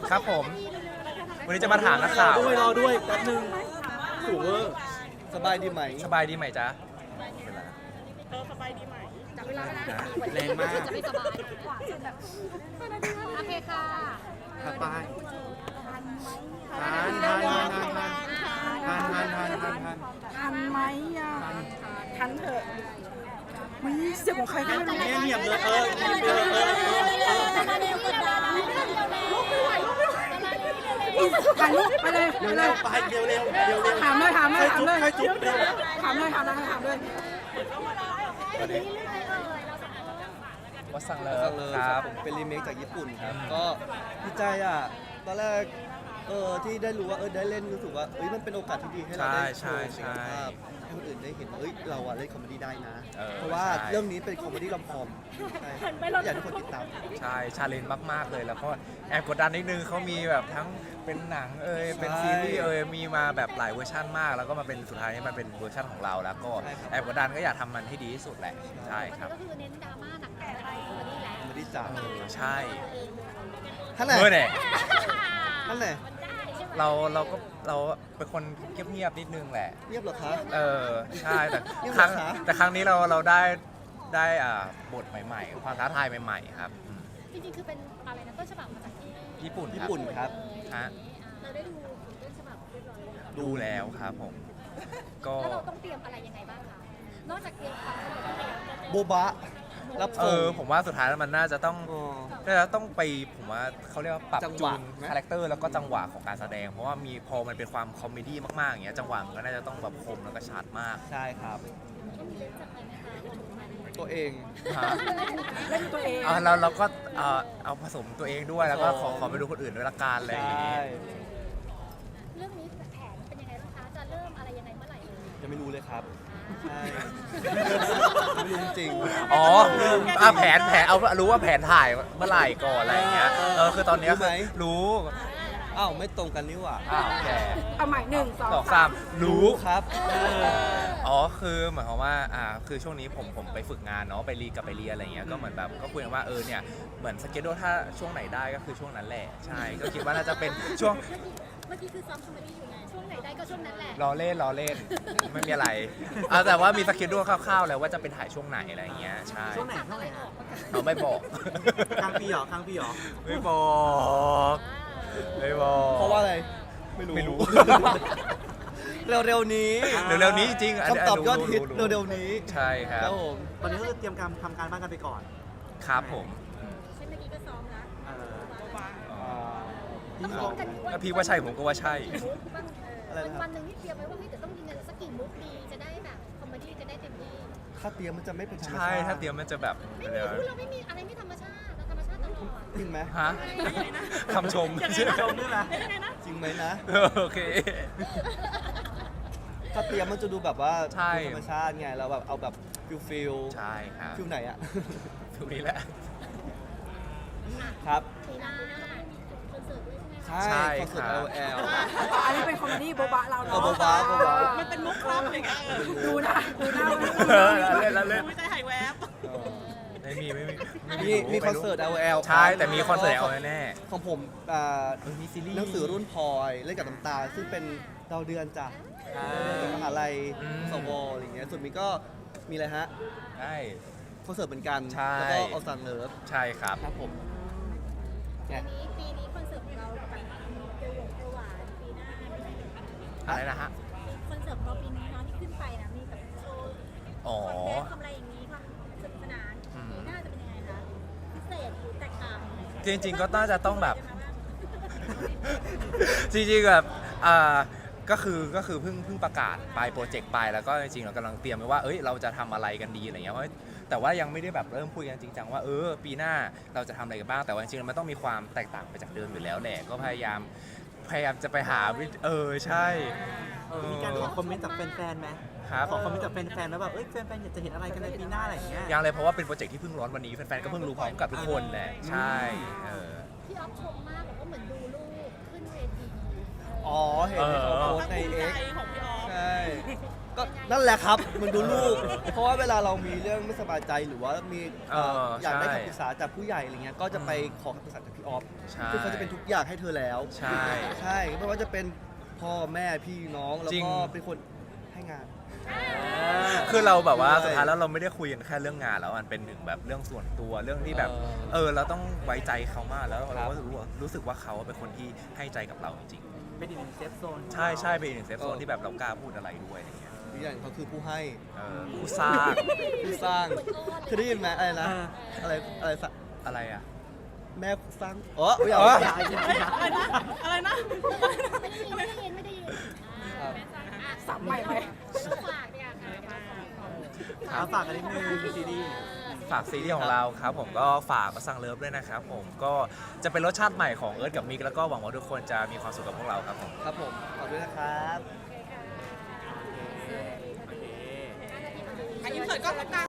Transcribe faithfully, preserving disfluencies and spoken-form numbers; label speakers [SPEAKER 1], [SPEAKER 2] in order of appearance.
[SPEAKER 1] ครับผมวันนี้จะมาถามนักข่าว
[SPEAKER 2] ด้วยรอด้วยแป๊บนึงสูงเวอร์สบายดีไหม
[SPEAKER 1] สบายดีไหมจ๊ะ
[SPEAKER 3] เออสบายดีไหม
[SPEAKER 4] จับเวลาแล้วนะ
[SPEAKER 2] แรงมาก
[SPEAKER 4] จะไม่สบายโอเคค่ะ
[SPEAKER 2] ถัดไปทานทานทานทานทานทานทานทานทาน
[SPEAKER 3] ทันไหมอ่ะทันเถอะมีเสียงของใครก็ไม่รู้
[SPEAKER 2] เนี่ยเหนียบเลยเออเหนียบเลยเออเออเออ
[SPEAKER 3] ถ่ายรูปไปเลยไป
[SPEAKER 2] เร็ว
[SPEAKER 3] เล
[SPEAKER 2] เร็
[SPEAKER 3] ยว
[SPEAKER 2] ไปเร็วเร็วเร็วเร็ว
[SPEAKER 3] ถามเลยถามเลยถามเลย
[SPEAKER 2] ใครจุ๊บเร็ว
[SPEAKER 3] ถามเลยถามเลยถามเลย
[SPEAKER 1] วัดสั่งเล
[SPEAKER 2] ฟังเลย
[SPEAKER 1] ค
[SPEAKER 2] ค
[SPEAKER 1] รั
[SPEAKER 2] รั
[SPEAKER 1] บบ
[SPEAKER 2] ผมเป็นรีเมคจากญี่ปุ่นครับก็ดีใจอ่ะตอนแรกเออที่ได้รู้ว่าเออได้เล่นรู้สึกว่าเอ้ยมันเป็นโอกาสที่ดีให้เราได้โชว์ศักยภาพให้คนอื่นได้เห็นว่าเอ้ยเราอ่ะเล่นคอมเมดี้ได้นะ เพราะว่าเรื่องนี้เป็นคอมเมดี้ลอมคอมใช่อยากให้ทุกคนติดตาม
[SPEAKER 1] ใช่ชาเลนจ์มากๆเลยแล้วก็แอบกดดันนิดนึงเขามีแบบทั้งเป็นหนังเอยเป็นซีรีส์เอยมีมาแบบหลายเวอร์ชันมาก แล้วก็มาเป็นสุดท้ายนี่มันเป็นเวอร์ชันของเราแล้วก็แอบกดดันก็อยากทำมันให้ดีที่สุดแหละใช่ครับ
[SPEAKER 4] ก็คือเน้นดราม่าหนักๆอะไรคนนี้แหละ
[SPEAKER 2] คอมเมดี้จ๋า
[SPEAKER 1] เออใช่
[SPEAKER 2] ท่านไหน
[SPEAKER 1] เมื่อไหร่
[SPEAKER 2] ท่านไหน
[SPEAKER 1] เราเราก็เราเป็นคนเงียบๆนิดนึงแหละ
[SPEAKER 2] เรียบเหรอคะ
[SPEAKER 1] เออใช่แต่
[SPEAKER 2] นี่
[SPEAKER 1] ครั้ง
[SPEAKER 2] เหรอคะ
[SPEAKER 1] แต่ครั้งนี้เราเราได้ได้อ่าบทใหม่ๆ ความท้าทายใหม่ๆครับอืม
[SPEAKER 4] จริงๆคือเป็นอะไรนะต้นฉบับมาจากที่
[SPEAKER 1] ญี่ปุ่น
[SPEAKER 2] ญี่
[SPEAKER 1] ครับ
[SPEAKER 2] ปุ่นครับ
[SPEAKER 1] ฮะ
[SPEAKER 4] เราได้ดูต้นฉบับเรียบร้อยแล้ว
[SPEAKER 1] ดูแล้วครับผม ก็
[SPEAKER 4] แล้วเราต้องเตรียมอะไรยังไงบ้างคะนอกจากเตรียมความสนุกแล้ว
[SPEAKER 2] โบบะรับ
[SPEAKER 1] เอ
[SPEAKER 2] ส่ง
[SPEAKER 1] อผมว่าสุดท้ายแล้วมันน่าจะต้อง
[SPEAKER 2] อ๋อ
[SPEAKER 1] น่าจะต้องไปผมว่าเขาเรียกว่าปรับ
[SPEAKER 2] จังห
[SPEAKER 1] จู
[SPEAKER 2] วะ
[SPEAKER 1] น
[SPEAKER 2] ไหม
[SPEAKER 1] คาแรคเตอร์แล้วก็จังหวะของการแสดง เพราะว่ามีพอมันเป็นความคอมเมดี้มากๆอย่างเงี้ยจังหวะมันก็น่าจะต้องแบบคมแล้วก็ชัดมาก
[SPEAKER 2] ใช่ครับ ตัวเอง
[SPEAKER 1] ฮะ
[SPEAKER 3] เล่นตัวเอง
[SPEAKER 1] เอาเราเราก็เอ่อเอาผสมตัวเองด้วยแล้วก็ขอขอไปดูคนอื่นด้วยละกันอะไรอย่าง
[SPEAKER 2] ใช่
[SPEAKER 1] งี้
[SPEAKER 4] เรื่องนี้แผนเป็นยังไงบ้างคะจะเริ่มอะไรยังไงเมื่อไหร่เลย
[SPEAKER 2] ยังไม่รู้เลยครับ ใช่ไม่รู้จริง
[SPEAKER 1] อ๋ออ่ะแผนแผนเอารู้ว่าแผนถ่ายเมื่อไหร่ก่อนอะไรอย่างเงี้ยเออคือตอนเนี้ย
[SPEAKER 2] รู้ไหม
[SPEAKER 1] รู้
[SPEAKER 2] อ้าวไม่ตรงกันนี่หว่า
[SPEAKER 1] อ้าวแก
[SPEAKER 3] เอาใหม่หนึ่งสอง
[SPEAKER 1] สองสามรู้
[SPEAKER 2] ครับเออ
[SPEAKER 1] อ๋อคือหมายความว่าอ่าคือช่วงนี้ผมผมไปฝึกงานเนาะไปรีกับไปเรียนอะไรเงี้ยก็เหมือนแบบก็คุยกันว่าเออเนี่ยเหมือนสเกจโดถ้าช่วงไหนได้ก็คือช่วงนั้นแหละใช่ก็คิดว่าน่าจะเป็นช่วง
[SPEAKER 4] เมื่อกี้คือซ้อมคอมเมดี้อยู่ไงช่วงไหนได้ก็ช่วงนั้นแหละ
[SPEAKER 1] รอเล่นรอเล่นไม่มีอะไรเอาแต่ว่ามีสเกจโดคร่าวๆแล้วว่าจะเป็นถ่ายช่วงไหนอะไรเงี้ยใช่
[SPEAKER 3] ช่วงไหน
[SPEAKER 4] ตัด
[SPEAKER 3] ช่วง
[SPEAKER 4] อะ
[SPEAKER 3] ไห
[SPEAKER 4] ไร
[SPEAKER 3] น
[SPEAKER 4] ออก
[SPEAKER 1] เราไม่บอก
[SPEAKER 2] กลางปีเหรอกลางปีเหรอ
[SPEAKER 1] ไม่บอกไม่บอก
[SPEAKER 2] เพราะว่าอะไร ไม่รู้
[SPEAKER 1] ไม่รู้
[SPEAKER 2] เร็วๆนี้
[SPEAKER 1] เร็วๆนี้จริงๆนนี้
[SPEAKER 2] คำตอบยอดฮิต
[SPEAKER 1] รู้
[SPEAKER 2] เร็วๆนี้
[SPEAKER 1] ใช่ค
[SPEAKER 2] ค
[SPEAKER 1] รั
[SPEAKER 2] รั
[SPEAKER 1] บบ
[SPEAKER 2] ผม
[SPEAKER 5] ตอนนี้ก็คือเตรียมการทำการบ้านกันไปก่อน
[SPEAKER 1] ครับผม
[SPEAKER 4] เช่นเมื่อกี้ก็ซ้อมแล้ว
[SPEAKER 5] เออ
[SPEAKER 1] อ๋อ
[SPEAKER 4] ต้องซ้อมกัน
[SPEAKER 1] ถ้าพี่ว่าใช่ผมก็ว่าใช่
[SPEAKER 4] มุกบ้างเออวันหนึ่งนี่เตรียมไว้ว่าเฮ้ยแต่ต้องยิงกันสักกี่มุกดีจะได้แบบคอมเมดี้จะได้เต็มที่
[SPEAKER 2] ถ้าเตรียมมันจะไม่เป็นธรรมชาติ
[SPEAKER 1] ใช่ถ้าเตรียมมันจะแบบ
[SPEAKER 4] ไม่มีพูดเราไม่มีอะไรไม่ธรรมชาติเราธรรมชาติตลอด
[SPEAKER 2] จริงไหม
[SPEAKER 1] ฮะคำชม
[SPEAKER 5] ชมด้วยนะ
[SPEAKER 2] จริงไหมนะ
[SPEAKER 1] โอเค
[SPEAKER 2] ถ้าเตรียมมันจะดูแบบว่า
[SPEAKER 1] ใช่
[SPEAKER 2] ดูธรรมชาติไงเราแบบเอาแบบฟิลฟิล
[SPEAKER 1] ใช่ครับ
[SPEAKER 2] ฟิลไหนอะ
[SPEAKER 1] ทุกนี้แหละ
[SPEAKER 2] ครับ
[SPEAKER 4] ปีหน้าคอนเสิร์ตด้วยใช่ไหมคะ
[SPEAKER 2] ใช่
[SPEAKER 1] ใช่
[SPEAKER 2] คอนเสิร์ต
[SPEAKER 1] ครั
[SPEAKER 2] L
[SPEAKER 1] บ
[SPEAKER 2] L
[SPEAKER 3] อันนี้เป็นคอมเมดี้โบบะเรา
[SPEAKER 2] เออ
[SPEAKER 3] เนาะ
[SPEAKER 2] โบบะโบบะ
[SPEAKER 3] มันเป็นมุกครับอะไรเงี้ยดูนะดูหน้า
[SPEAKER 1] เออเล่นแล้วเล่น
[SPEAKER 3] ไม่ใจหายแวบ
[SPEAKER 1] ไม่มีไม่มีไ
[SPEAKER 2] มีมีคอนเสิร์ต L L
[SPEAKER 1] ใช่แต่มีคอนเสิร์ตเอาแน่
[SPEAKER 2] ของผมอ่า
[SPEAKER 1] ๆเออมีซีรีส์
[SPEAKER 2] หนังสือรุ่นพลอยเล่นกับน้ำตาลซึ่งเป็นดาวเดือนจ้ะจากมหาลัยสวอะไรอย่างเงี้ยส่วนมีก็มีอะไรฮะ
[SPEAKER 1] ใช่
[SPEAKER 2] คอนเสิร์ตเหมือนกัน
[SPEAKER 1] ใช่
[SPEAKER 2] แล้วก็เอาซังเลิฟ
[SPEAKER 1] ใช่ครับ
[SPEAKER 2] ครับผม
[SPEAKER 4] ปีนี้ปีนี้คอนเสิร์ตของเราแบบเกียวหยงเกียวหวานปีหน้าเป็นไงคะ
[SPEAKER 1] อะไรนะฮะ
[SPEAKER 4] คอนเสิร์ตของเราปีนี้เนาะที่ขึ้นไปนะมีแบบโชว์
[SPEAKER 1] อ๋อ
[SPEAKER 4] คอนเทนต์ทำอะไรอย่างนี้ความสนุกสนาน
[SPEAKER 1] อืม
[SPEAKER 4] ปีหน้าจะเป็นยังไงคะพิเศษหรือแตกต่างยังไง
[SPEAKER 1] จริงๆก็น่าจะต้องแบบ จริงๆแบบอ่าก็คือก็คือเพิ่งเพิ่งประกาศไปโปรเจกต์ไปแล้วก็จริงๆเรากำลังเตรียมไว้ว่าเอ้ยเราจะทำอะไรกันดีอะไรเงี้ยเพราะแต่ว่ายังไม่ได้แบบเริ่มคุยกันจริงจังว่าเออปีหน้าเราจะทำอะไรกันบ้างแต่ว่าจริงๆมันต้องมีความแตกต่างไปจากเดิมอยู่แล้วแหละก็พยายามพยายามจะไปหาวิธีเออใช่เออ
[SPEAKER 5] มีการขอคอมเมนต์จากแฟนๆไหม
[SPEAKER 1] ครับ
[SPEAKER 5] ขอคอมเมนต์จากแฟนๆแล้วแบบเอ้ยแฟนๆอยากจะเห็นอะไรกันในปีหน้าอะไรอย่างเงี้ย
[SPEAKER 1] ยังเลยเพราะว่าเป็นโปรเจกต์ที่เพิ่งร้อนวันนี้แฟนๆก็เพิ่งรู้พร้อมกับทุกคนแหละใช่เออ
[SPEAKER 4] พี่ออฟชมมากบอกว่าเหมือนดูลูกขึ้นเวที
[SPEAKER 2] อ๋อ เห็นที่เขาโพสต์ใน X
[SPEAKER 3] ของพี่ออฟ
[SPEAKER 2] ใช่ก็นั่นแหละครับมันดูลูก เพราะว่าเวลาเรามีเรื่องไม่สบายใจหรือว่ามีเอ่อ
[SPEAKER 1] เออ
[SPEAKER 2] อยากได้
[SPEAKER 1] ใช่
[SPEAKER 2] คำปรึกษาจากผู้ใหญ่อะไรเงี้ยก็จะไปขอคำปรึกษาจากพี่ออฟ
[SPEAKER 1] ใช่
[SPEAKER 2] ซึ่งเขาจะเป็นทุกอย่างให้เธอแล้ว
[SPEAKER 1] ใช่
[SPEAKER 2] ใช่ไม่ว่าจะเป็นพ่อแม่พี่น้องแล้ว
[SPEAKER 1] จริง
[SPEAKER 2] ก็เป็นคนให้งาน
[SPEAKER 1] คือเราแบบว่า
[SPEAKER 2] ใช่
[SPEAKER 1] สุดท้ายแล้วเราไม่ได้คุยกันแค่เรื่องงานแล้วมันเป็นหนึ่งแบบเรื่องส่วนตัวเรื่องที่แบบ
[SPEAKER 2] เออ
[SPEAKER 1] เออเราต้องไว้ใจเขามากแล้ว
[SPEAKER 2] ครั
[SPEAKER 1] เรา
[SPEAKER 2] บ
[SPEAKER 1] ก็รู้ว่ารู้สึกว่าเขาเป็นคนที่ให้ใจกับเราจริง
[SPEAKER 5] เป็นอีกหนึ่งเซฟโซน
[SPEAKER 1] ๆใช่ใช่เป็นอีกหนึ่งเซฟโซนที่แบบเรากล้าพูดอะไรด้วยอะไรเงี้ย
[SPEAKER 2] อีกอย่างเขาคือผู้ให้
[SPEAKER 1] เออผู้สร้าง
[SPEAKER 2] ผู้สร้างเคยได้ยินไหมอะไรนะ อะไรอะไรสัก
[SPEAKER 1] อะไรอ่ะ
[SPEAKER 2] แม่สร้างอ๋อไม่เอา
[SPEAKER 1] อ๋อ
[SPEAKER 2] อย่าอย่าอย่า
[SPEAKER 3] อะไรนะ อะไรนะ
[SPEAKER 4] ไม่ได้ยินไม่ได้ยินไม่ได้ยิน
[SPEAKER 2] ครับ
[SPEAKER 3] สับใหม่ไหม
[SPEAKER 4] เราฝากเนี่ยค่ะเดี๋ยวเราฝาก
[SPEAKER 5] เอาฝากกันนิดนึงซีรีส์
[SPEAKER 1] ฝากซีรีส์ของเราครับผมก็ฝากมาสั่งเลิฟด้วยนะครับผมก็จะเป็นรสชาติใหม่ของเอิร์ธกับมิกแล้วก็หวังว่าทุกคนจะมีความสุขกับพวกเราครับผม
[SPEAKER 2] ครับผมขอบคุณนะครับ
[SPEAKER 5] โอเค
[SPEAKER 3] อันนี้เปิดกล้องตรงกลาง